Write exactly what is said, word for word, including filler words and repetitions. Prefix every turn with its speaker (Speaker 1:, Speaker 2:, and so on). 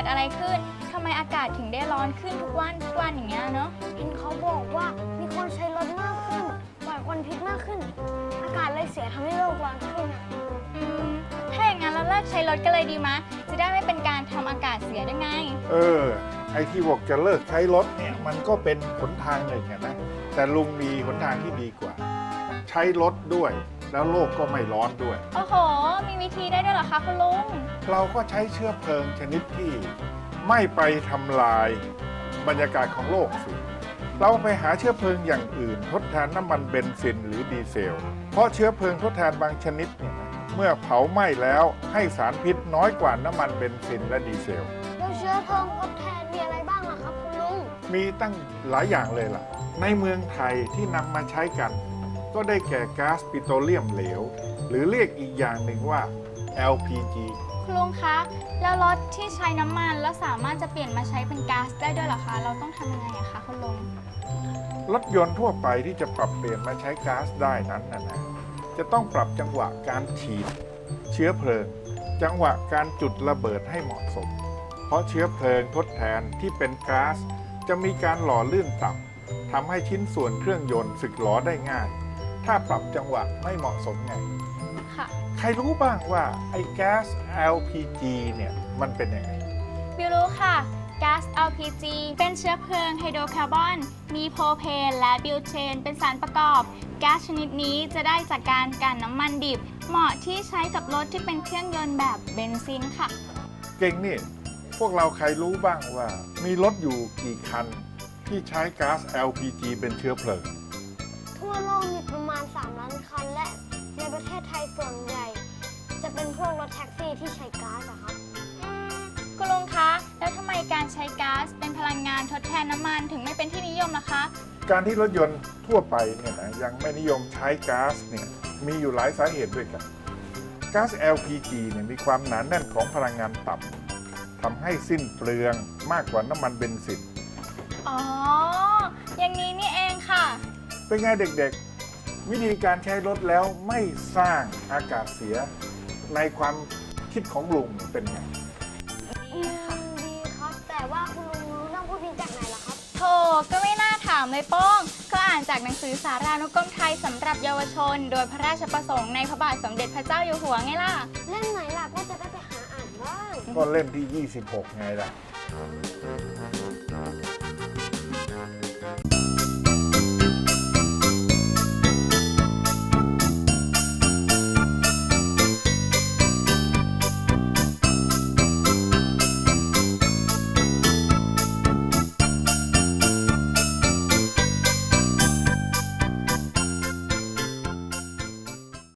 Speaker 1: ดอะไรขึ้นทำไมอากาศถึงได้ร้อนขึ้นทุกวันทุกวันอย่างเงี้ยเนาะ
Speaker 2: เห็นเขาบอกว่ามีคนใช้รถมากขึ้นปล่อยควันพิษมากขึ้น อากาศเลยเสียทำให้โลกร้อนขึ้นอะ
Speaker 1: อืมถ้าอย่างนั้นเราเลิกใช้รถกันเลยดีมะจะได้ไม่เป็นการทำอากาศเสียได้ไง
Speaker 3: เออไอ้ที่บอกจะเลิกใช้รถเนี่ยมันก็เป็นหนทางหนึ่งนะแต่ลุงมีหนทางที่ดีกว่า ใช้รถด้วยแล้วโลกก็ไม่ร้อนด้วย
Speaker 1: โอ้โหมีวิธีได้ด้วยเหรอคะคุณลุง
Speaker 3: เราก็ใช้เชื้อเพลิงชนิดที่ไม่ไปทำลายบรรยากาศของโลกสิเราไปหาเชื้อเพลิงอย่างอื่นทดแทนน้ำมันเบนซินหรือดีเซลเพราะเชื้อเพลิงทดแทนบางชนิดเนี่ยนะเมื่อเผาไหม้แล้วให้สารพิษน้อยกว่าน้ำมันเบนซินและดีเซล
Speaker 2: แล้วเชื้อเพลิงทดแทนมีอะไรบ้างล่ะครับคุณลุง
Speaker 3: มีตั้งหลายอย่างเลยล่ะในเมืองไทยที่นำมาใช้กันก็ได้แก่ก๊าซปิโตรเลียมเหลวหรือเรียกอีกอย่างหนึ่งว่า แอล พี จี
Speaker 1: คุณลุงคะแล้วรถที่ใช้น้ำมันแล้วสามารถจะเปลี่ยนมาใช้เป็นก๊าซได้ด้วยเหรอคะเราต้องทำยังไงอะคะคุณลุง
Speaker 3: รถยนต์ทั่วไปที่จะปรับเปลี่ยนมาใช้ก๊าซได้นั้นนะนะจะต้องปรับจังหวะการฉีดเชื้อเพลิงจังหวะการจุดระเบิดให้เหมาะสมเพราะเชื้อเพลิงทดแทนที่เป็นก๊าซจะมีการหล่อลื่นต่ำทำให้ชิ้นส่วนเครื่องยนต์สึกหรอได้ง่ายถ้าปรับจังหวะไม่เหมาะสมไง
Speaker 1: ค่ะ
Speaker 3: ใครรู้บ้างว่าไอ้แก๊ส แอล พี จี เนี่ยมันเป็นยังไง
Speaker 1: บิวรู้ค่ะก๊าซ แอล พี จี เป็นเชื้อเพลิงไฮโดรคาร์บอนมีโพรเพนและบิวเทนเป็นสารประกอบก๊าซชนิดนี้จะได้จากการกันน้ำมันดิบเหมาะที่ใช้กับรถที่เป็นเครื่องยนต์แบบเบนซินค่ะ
Speaker 3: เก่งนี่พวกเราใครรู้บ้างว่ามีรถอยู่กี่คันที่ใช้ก๊าซ แอล พี จี เป็นเชื้อเพลิง
Speaker 2: ทั่วโลกมีประมาณสามล้านคันและในประเทศไทยส่วนใหญ่จะเป็นพวกรถแท็กซี่ที่ใช้ก๊าซอะครับ
Speaker 1: คุณลุงคะแล้วทำไมการใช้ก๊าซเป็นพลังงานทดแทนน้ำมันถึงไม่เป็นที่นิยมล่ะคะ
Speaker 3: การที่รถยนต์ทั่วไปเนี่ยนะยังไม่นิยมใช้ก๊าซเนี่ยมีอยู่หลายสาเหตุด้วยกันก๊าซ แอล พี จี เนี่ยมีความหนาแน่นของพลังงานต่ำทำให้สิ้นเปลืองมากกว่าน้ำมันเบนซิน
Speaker 1: อ๋ออย่างนี้นี่เองค่ะ
Speaker 3: เป็นไงเด็กๆวิธีการใช้รถแล้วไม่สร้างอากาศเสียในความคิดของลุงเป็นไง
Speaker 2: ดีค่ะดีครับแต่ว่าคุณลุงรู้เรื่องพวกนี้จากไหนล่ะครับ
Speaker 1: โธ่ก็ไม่น่าถามเลยโป้งก็อ่านจากหนังสือสารานุกรมไทยสำหรับเยาวชนโดยพระราชประสงค์ในพระบาทสมเด็จพระเจ้าอยู่หัวไงล่ะ
Speaker 2: เล่มไหนล่ะก็จะได้ไปหาอ่านบ้าง
Speaker 3: ก็เล่มที่ยี่สิบหกไงล่ะ